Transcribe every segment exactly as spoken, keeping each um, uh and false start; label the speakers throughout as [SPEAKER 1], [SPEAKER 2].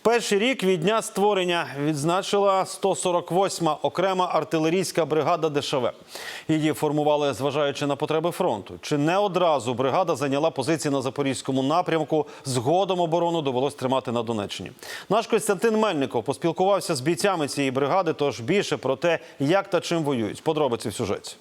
[SPEAKER 1] Перший рік від дня створення відзначила сто сорок восьма окрема артилерійська бригада Де Ше Ве. Її формували, зважаючи на потреби фронту. Чи не одразу бригада зайняла позиції на Запорізькому напрямку, згодом оборону довелось тримати на Донеччині. Наш Костянтин Мельников поспілкувався з бійцями цієї бригади, тож більше про те, як та чим воюють. Подробиці в сюжеті.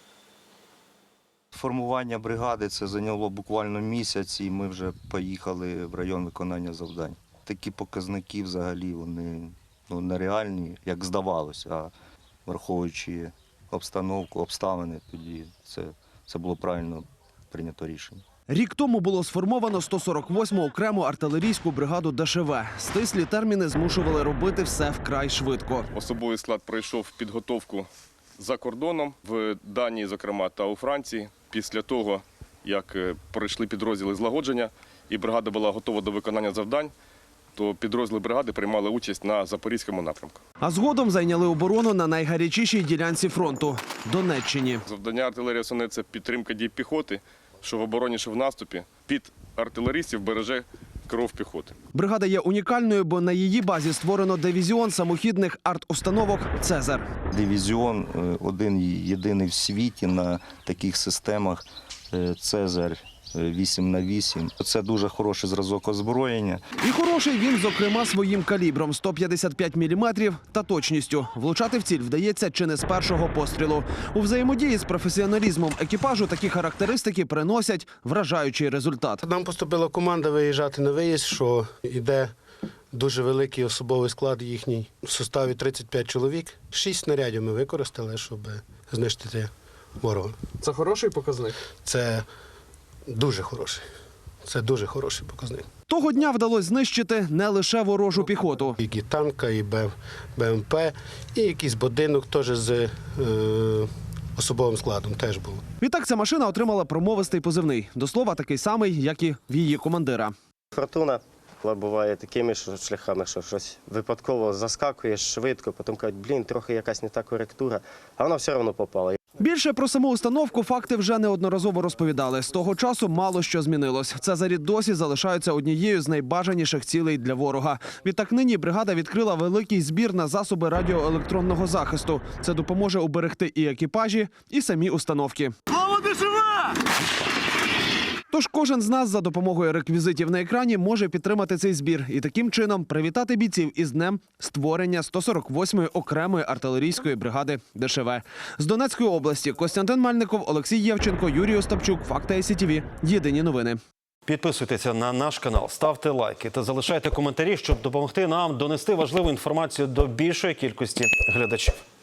[SPEAKER 2] Формування бригади це зайняло буквально місяць, і ми вже поїхали в район виконання завдань. Такі показники взагалі вони ну, нереальні, як здавалося, а враховуючи обстановку, обставини, тоді це, це було правильно прийнято рішення.
[SPEAKER 3] Рік тому було сформовано сто сорок восьму окрему артилерійську бригаду Де Ше Ве. Стислі терміни змушували робити все вкрай швидко.
[SPEAKER 4] Особовий склад пройшов підготовку за кордоном, в Данії, зокрема, та у Франції. Після того, як пройшли підрозділи злагодження і бригада була готова до виконання завдань, то підрозділи бригади приймали участь на Запорізькому напрямку.
[SPEAKER 3] А згодом зайняли оборону на найгарячішій ділянці фронту – Донеччині.
[SPEAKER 4] Завдання артилерії основне – це підтримка дій піхоти, що в обороні, що в наступі. Під артилеристів береже кров піхоти.
[SPEAKER 3] Бригада є унікальною, бо на її базі створено дивізіон самохідних арт-установок «Цезар».
[SPEAKER 2] Дивізіон один єдиний в світі на таких системах «Цезар» вісім на вісім. Це дуже хороший зразок озброєння.
[SPEAKER 3] І хороший він, зокрема, своїм калібром – сто п'ятдесят п'ять міліметрів та точністю. Влучати в ціль вдається чи не з першого пострілу. У взаємодії з професіоналізмом екіпажу такі характеристики приносять вражаючий результат.
[SPEAKER 5] Нам поступила команда виїжджати на виїзд, що йде дуже великий особовий склад їхній. В составі тридцять п'ять чоловік. Шість снарядів ми використали, щоб знищити ворога.
[SPEAKER 3] Це хороший показник?
[SPEAKER 5] Це дуже хороший. Це дуже хороший показник.
[SPEAKER 3] Того дня вдалося знищити не лише ворожу піхоту.
[SPEAKER 5] І танка, і Бе Ем Пе, і якийсь будинок теж з е, особовим складом теж був.
[SPEAKER 3] Відтак ця машина отримала промовистий позивний. До слова, такий самий, як і в її командира.
[SPEAKER 6] Фортуна буває такими що шляхами, що щось випадково заскакуєш швидко, потім кажуть, блін, трохи якась не та коректура, а вона все одно попала.
[SPEAKER 3] Більше про саму установку факти вже неодноразово розповідали. З того часу мало що змінилось. Цезарі досі залишаються однією з найбажаніших цілей для ворога. Відтак нині бригада відкрила великий збір на засоби радіоелектронного захисту. Це допоможе уберегти і екіпажі, і самі установки. Слава Де Ше Ве! Тож кожен з нас за допомогою реквізитів на екрані може підтримати цей збір і таким чином привітати бійців із днем створення сто сорок восьмої окремої артилерійської бригади Де Ше Ве. З Донецької області Костянтин Мельников, Олексій Євченко, Юрій Остапчук, Факти Ай Сі Ті Ві. Єдині новини.
[SPEAKER 1] Підписуйтеся на наш канал, ставте лайки та залишайте коментарі, щоб допомогти нам донести важливу інформацію до більшої кількості глядачів.